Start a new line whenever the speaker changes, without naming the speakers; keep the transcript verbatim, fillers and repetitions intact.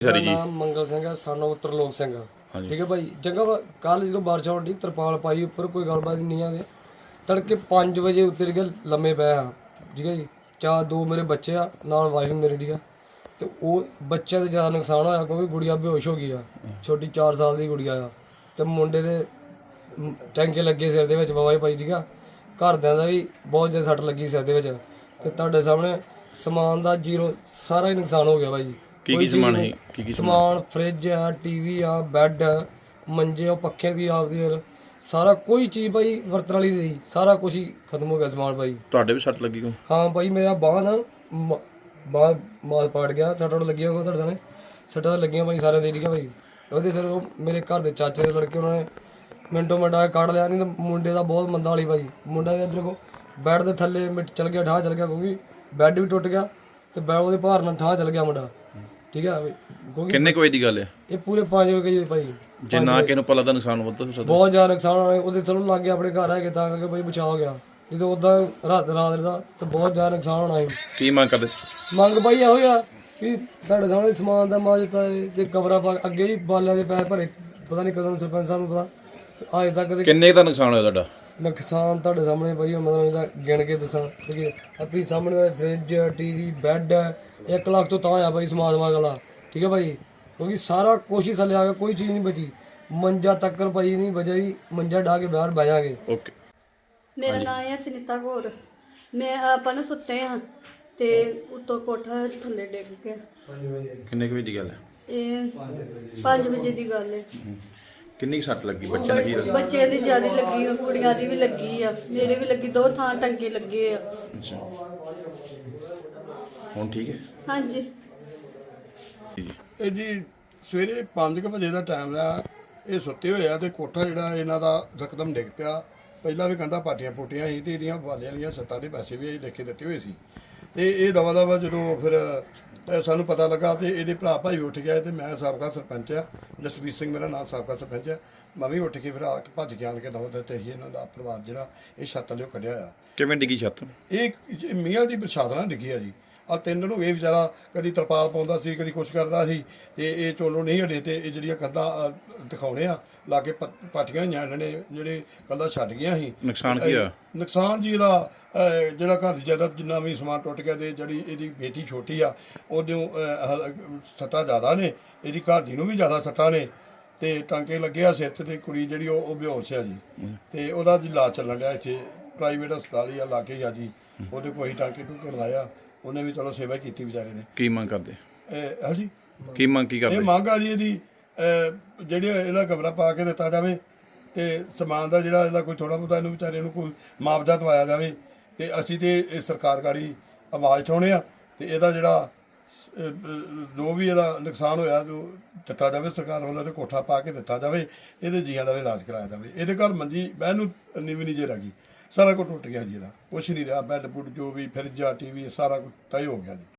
ਮੇਰਾ ਨਾਮ ਮੰਗਲ ਸਿੰਘ ਹੈ, ਸਾਨੂੰ ਤਰਲੋਕ ਸਿੰਘ ਆ। ਠੀਕ ਹੈ ਭਾਈ। ਜਗ੍ਹਾ ਕੱਲ ਜਦੋਂ ਬਾਰਿਸ਼ ਹੋਣ ਦੀ ਤਰਪਾਲ ਪਾਈ ਉੱਪਰ, ਕੋਈ ਗੱਲਬਾਤ ਨਹੀਂ ਆ। ਤੜਕੇ ਪੰਜ ਵਜੇ ਉੱਤਰ ਕੇ ਲੰਮੇ ਪਏ ਆ। ਠੀਕ ਹੈ ਜੀ। ਚਾਰ ਦੋ ਮੇਰੇ ਬੱਚੇ ਆ, ਨਾਲ ਵਾਈਫ ਮੇਰੀ। ਠੀਕ ਆ। ਤੇ ਉਹ ਬੱਚਿਆਂ ਦਾ ਜ਼ਿਆਦਾ ਨੁਕਸਾਨ ਹੋਇਆ ਕਿਉਂਕਿ ਗੁੜੀਆ ਬੇਹੋਸ਼ ਹੋ ਗਈ ਆ। ਛੋਟੀ ਚਾਰ ਸਾਲ ਦੀ ਗੁੜੀਆ ਆ। ਤੇ ਮੁੰਡੇ ਦੇ ਟੈਂਕੇ ਲੱਗੇ ਸਿਰ ਦੇ ਵਿੱਚ ਬਾਬਾ ਜੀ ਭਾਈ। ਠੀਕ ਆ। ਘਰਦਿਆਂ ਦਾ ਵੀ ਬਹੁਤ ਜ਼ਿਆਦਾ ਸੱਟ ਲੱਗੀ ਸਿਰ ਦੇ ਵਿੱਚ। ਤੇ ਤੁਹਾਡੇ ਸਾਹਮਣੇ ਸਮਾਨ ਦਾ ਜ਼ੀਰੋ ਸਾਰਾ ਹੀ ਨੁਕਸਾਨ ਹੋ ਗਿਆ ਭਾਈ।
ਕੀ ਕੀ ਸਮਾਨ ਹੈ? ਕੀ ਕੀ
ਸਮਾਨ ਫ੍ਰਿਜ ਆ, ਟੀਵੀ ਆ, ਬੈੱਡ, ਮੰਜੇ, ਉਹ ਪੱਖੇ ਦੀ ਆਪਦੀ ਸਾਰਾ ਕੋਈ ਚੀਜ਼ ਭਾਈ ਵਰਤਣ ਵਾਲੀ ਨਹੀਂ, ਸਾਰਾ ਕੁਝ ਹੀ ਖਤਮ ਹੋ ਗਿਆ ਸਮਾਨ ਭਾਈ।
ਤੁਹਾਡੇ ਵੀ ਸੱਟ ਲੱਗੀ ਕੋ?
ਹਾਂ ਭਾਈ, ਮੇਰਾ ਬਾਂਹ ਨਾ ਬਾਂਹ ਮਾਸ ਪਾੜ ਗਿਆ। ਸੱਟਾਂ ਲੱਗੀਆਂ ਹੋਗਾ ਤੁਹਾਡੇ ਸਾਹਮਣੇ, ਸੱਟਾਂ ਲੱਗੀਆਂ ਭਾਈ ਸਾਰਿਆਂ ਦੇ। ਠੀਕ ਆ ਭਾਈ। ਉਹਦੇ ਸਿਰ ਉਹ ਮੇਰੇ ਘਰ ਦੇ ਚਾਚੇ ਦੇ ਲੜਕੇ, ਉਹਨਾਂ ਨੇ ਮਿੰਟੋ ਮਿੰਟਾ ਕੱਢ ਲਿਆ। ਨਹੀਂ ਤਾਂ ਮੁੰਡੇ ਦਾ ਬਹੁਤ ਮੰਦਾ ਵਾਲੀ ਭਾਈ। ਮੁੰਡਾ ਦੇ ਇੱਧਰ ਕੋ ਬੈੱਡ ਦੇ ਥੱਲੇ ਮਿੱਟ ਚਲ ਗਿਆ, ਠਾਹ ਚਲ ਗਿਆ ਕਿਉਂਕਿ ਬੈੱਡ ਵੀ ਟੁੱਟ ਗਿਆ ਤੇ ਬੈੱਡ ਉਹਦੇ ਭਾਰ ਨਾਲ ਠਾਹ ਚਲ ਗਿਆ ਮੁੰਡਾ। ਠੀਕ ਆ।
ਕਿੰਨੇ ਕੁ ਵਜੇ ਦੀ ਗੱਲ ਹੈ
ਇਹ? ਪੂਰੇ ਪੰਜ ਵਜੇ ਭਾਈ।
ਜੇ ਨਾ ਕਿਸੇ ਨੂੰ ਪਤਾ ਤਾਂ ਨੁਕਸਾਨ ਵੱਧ ਹੋ ਸਕਦਾ,
ਬਹੁਤ ਜ਼ਿਆਦਾ ਨੁਕਸਾਨ ਹੋਇਆ। ਉਹਦੇ ਚਲੋ ਲੱਗ ਗਿਆ, ਆਪਣੇ ਘਰ ਹੈਗੇ ਤਾਂ ਕਰਕੇ ਭਾਈ ਬਚਾਅ ਹੋ ਗਿਆ। ਨਹੀਂ ਤਾਂ ਉਦਾਂ ਰਾਤ ਰਾਤ ਦਾ ਤੇ ਬਹੁਤ ਜ਼ਿਆਦਾ ਨੁਕਸਾਨ ਹੋਣਾ ਸੀ।
ਕੀ ਮੰਗ ਕਰਦੇ?
ਮੰਗ ਭਾਈ ਇਹੋ ਹੀ ਆ ਵੀ ਤੁਹਾਡੇ ਸਾਹਮਣੇ ਸਮਾਨ ਦਾ ਮਾਜਤਾ ਤੇ ਕਬਰਾਂ ਪਾ ਅੱਗੇ ਵੀ ਬਾਲਿਆਂ ਦੇ ਪੈਸੇ ਭਰੇ, ਪਤਾ ਨਹੀਂ ਕਦੋਂ ਸਰਪੰਚ ਸਾਹਿਬ ਨੂੰ ਪਤਾ ਅਜੇ ਤੱਕ ਦੇ
ਕਿੰਨੇ ਦਾ ਨੁਕਸਾਨ ਹੋਇਆ ਤੁਹਾਡਾ?
ਨੁਕਸਾਨ ਤੁਹਾਡੇ ਸਾਹਮਣੇ ਭਾਈ ਮਤਲਬ ਇਹਦਾ ਗਿਣ ਕੇ ਦੱਸਾਂ ਕਿ ਆਪਣੀ ਸਾਹਮਣੇ ਫ੍ਰਿਜ, ਟੀਵੀ, ਬੈੱਡ ਇੱਕ ਲੱਖ ਤੋਂ ਤਾਂ ਆ ਭਾਈ ਸਮਾਨ ਸਮਾਨ ਵਾਲਾ। ਠੀਕ ਹੈ ਭਾਈ। ਕਿਉਂਕਿ ਸਾਰਾ ਕੁਛ ਹੀ ਥੱਲੇ ਆ ਗਿਆ, ਕੋਈ ਚੀਜ਼ ਨਹੀਂ ਬਚੀ। ਮੰਜਾ ਤੱਕਰ ਭਾਈ ਨਹੀਂ ਬਚਿਆ ਜੀ। ਮੰਜਾ ਢਾ ਕੇ ਬਾਹਰ ਬਹਿ ਜਾਗੇ।
ਓਕੇ।
ਮੇਰਾ ਨਾਮ ਹੈ ਸੁਨੀਤਾ ਕੌਰ। ਮੈਂ ਆਪਾਂ ਨਾ ਸੁੱਤੇ ਹਾਂ ਤੇ ਉੱਤੋਂ ਕੋਠਾ ਥੱਲੇ ਡਿੱਗ ਗਿਆ।
ਕਿੰਨੇ ਕੁ ਵਜੇ ਦੀ ਗੱਲ ਹੈ?
ਇਹ ਪੰਜ ਵਜੇ ਦੀ ਗੱਲ ਹੈ।
ਕਿੰਨੀ ਕੁ ਸੱਟ ਲੱਗੀ? ਬੱਚੇ ਨੇ ਕੀ ਲੱਗੀ?
ਬੱਚੇ ਦੀ ਜ਼ਿਆਦਾ ਲੱਗੀ ਆ, ਕੁੜੀਆਂ ਦੀ ਵੀ ਲੱਗੀ ਆ, ਮੇਰੇ ਵੀ ਲੱਗੀ। ਦੋ ਥਾਂ ਟੰਗੇ ਲੱਗੇ ਆ।
ਅੱਛਾ, ਹੁਣ ਠੀਕ ਹੈ?
ਹਾਂਜੀ।
ਜੀ
ਇਹ ਜੀ ਸਵੇਰੇ ਪੰਜ ਵਜੇ ਦਾ ਟਾਈਮ ਆ। ਇਹ ਸੁੱਤੇ ਹੋਏ ਆ ਤੇ ਕੋਠਾ ਜਿਹੜਾ ਇਹਨਾਂ ਦਾ ਰਕਦਮ ਡਿੱਗ ਪਿਆ। ਪਹਿਲਾਂ ਵੀ ਕੰਧਾਂ ਪਾਟੀਆਂ ਪੋਟੀਆਂ ਸੀ ਤੇ ਇਹਦੀਆਂ ਵਾਲਿਆਂ ਵਾਲੀਆਂ ਛੱਤਾਂ ਦੇ ਪੈਸੇ ਵੀ ਲਿਖ ਕੇ ਦਿੱਤੇ ਹੋਏ ਸੀ। ਤੇ ਇਹ ਦਵਾ ਦਵਾ ਜਦੋਂ ਫਿਰ ਸਾਨੂੰ ਪਤਾ ਲੱਗਾ ਤੇ ਇਹਦੇ ਭਰਾ ਭਾਈ ਉੱਠ ਗਿਆ। ਤੇ ਮੈਂ ਸਾਬਕਾ ਸਰਪੰਚ ਆ, ਜਸਵੀਰ ਸਿੰਘ ਮੇਰਾ ਨਾਮ, ਸਾਬਕਾ ਸਰਪੰਚ ਆ। ਮੈਂ ਵੀ ਉੱਠ ਕੇ ਫਿਰ ਆ ਕੇ ਭੱਜ ਕੇ ਆਣ ਕੇ ਦਵਾ ਦਿੱਤੇ ਸੀ। ਇਹਨਾਂ ਦਾ ਪਰਿਵਾਰ ਜਿਹੜਾ ਇਹ ਛੱਤ ਲਿਓ ਕੱਢਿਆ ਆ।
ਕਿਵੇਂ ਡਿੱਗੀ ਛੱਤ?
ਇਹ ਮੀਆਂ ਦੀ ਬਰਸਾਤ ਨਾਲ ਡਿੱਗੀ ਆ ਜੀ। ਆ ਤਿੰਨ ਦਿਨ ਹੋ ਗਏ ਵਿਚਾਰਾ ਕਦੀ ਤਰਪਾਲ ਪਾਉਂਦਾ ਸੀ, ਕਦੀ ਕੁਛ ਕਰਦਾ ਸੀ। ਤੇ ਇਹ ਚੋਲੋ ਨਹੀਂ ਹਟੇ ਤੇ ਇਹ ਜਿਹੜੀਆਂ ਕੰਧਾਂ ਦਿਖਾਉਣੇ ਆ ਲਾ ਕੇ ਪਾਟੀਆਂ ਹੋਈਆਂ ਇਹਨਾਂ ਨੇ, ਜਿਹੜੇ ਕੰਧਾਂ ਛੱਡ ਗਈਆਂ ਸੀ।
ਨੁਕਸਾਨ ਕੀ ਹੋਇਆ?
ਨੁਕਸਾਨ ਜੀ ਇਹਦਾ ਜਿਹੜਾ ਘਰ ਦੀ ਜਾਇਦਾਦ ਜਿੰਨਾ ਵੀ ਸਮਾਨ ਟੁੱਟ ਗਿਆ। ਤੇ ਜਿਹੜੀ ਇਹਦੀ ਬੇਟੀ ਛੋਟੀ ਆ ਉਹਦੇ ਸੱਟਾਂ ਜ਼ਿਆਦਾ ਨੇ, ਇਹਦੀ ਘਰ ਦੀ ਨੂੰ ਵੀ ਜ਼ਿਆਦਾ ਸੱਟਾਂ ਨੇ। ਤੇ ਟਾਂਕੇ ਲੱਗੇ ਆ ਸਿਰ 'ਚ। ਤੇ ਕੁੜੀ ਜਿਹੜੀ ਉਹ ਉਹ ਬੇਹੋਸ਼ ਆ ਜੀ। ਤੇ ਉਹਦਾ ਇਲਾਜ ਚੱਲਣ ਡਿਆ ਇੱਥੇ ਪ੍ਰਾਈਵੇਟ ਹਸਪਤਾਲ ਹੀ ਆ ਲਾਗੇ ਹੀ ਆ ਜੀ। ਉਹਦੇ ਕੋਈ ਟਾਂਕੇ ਟੂਕੇ ਲਾਇਆ, ਉਹਨੇ ਵੀ ਚਲੋ ਸੇਵਾ ਕੀਤੀ ਵਿਚਾਰੇ ਨੇ।
ਕੀ ਮੰਗ ਕਰਦੇ?
ਹਾਂਜੀ,
ਕੀ ਮੰਗ ਕੀ ਕਰਦੇ?
ਇਹ ਮੰਗ ਆ ਜੀ ਇਹਦੀ ਜਿਹੜੀ ਇਹਦਾ ਕਮਰਾ ਪਾ ਕੇ ਦਿੱਤਾ ਜਾਵੇ ਤੇ ਸਮਾਨ ਦਾ ਜਿਹੜਾ ਇਹਦਾ ਕੋਈ ਥੋੜਾ ਬਹੁਤਾ ਇਹਨੂੰ ਵਿਚਾਰੇ ਨੂੰ ਕੋਈ ਮੁਆਵਜ਼ਾ ਦਵਾਇਆ ਜਾਵੇ। ਤੇ ਅਸੀਂ ਤੇ ਇਹ ਸਰਕਾਰ ਗਾੜੀ ਆਵਾਜ਼ ਉਠਾਉਣੇ ਆ ਤੇ ਇਹਦਾ ਜਿਹੜਾ ਜੋ ਵੀ ਇਹਦਾ ਨੁਕਸਾਨ ਹੋਇਆ ਜੋ ਦਿੱਤਾ ਜਾਵੇ ਸਰਕਾਰ ਵੱਲੋਂ, ਤੇ ਕੋਠਾ ਪਾ ਕੇ ਦਿੱਤਾ ਜਾਵੇ। ਇਹਦੇ ਜੀਆਂ ਦਾ ਵੀ ਇਲਾਜ ਕਰਾਇਆ ਜਾਵੇ। ਇਹਦੇ ਘਰ ਮੰਜੀ ਬਹਿਣ ਨੂੰ ਨੀਵੀਂ ਨਹੀਂ ਜੇ ਰਹਿ ਗਈ, ਸਾਰਾ ਕੁਝ ਟੁੱਟ ਗਿਆ ਜੀ। ਇਹਦਾ ਕੁਛ ਨਹੀਂ ਰਿਹਾ। ਬੈੱਡ ਬੁੱਡ ਜੋ ਵੀ ਫਰਿੱਜਾ, ਟੀਵੀ ਸਾਰਾ ਕੁਝ ਤੈਅ ਹੋ ਗਿਆ ਜੀ।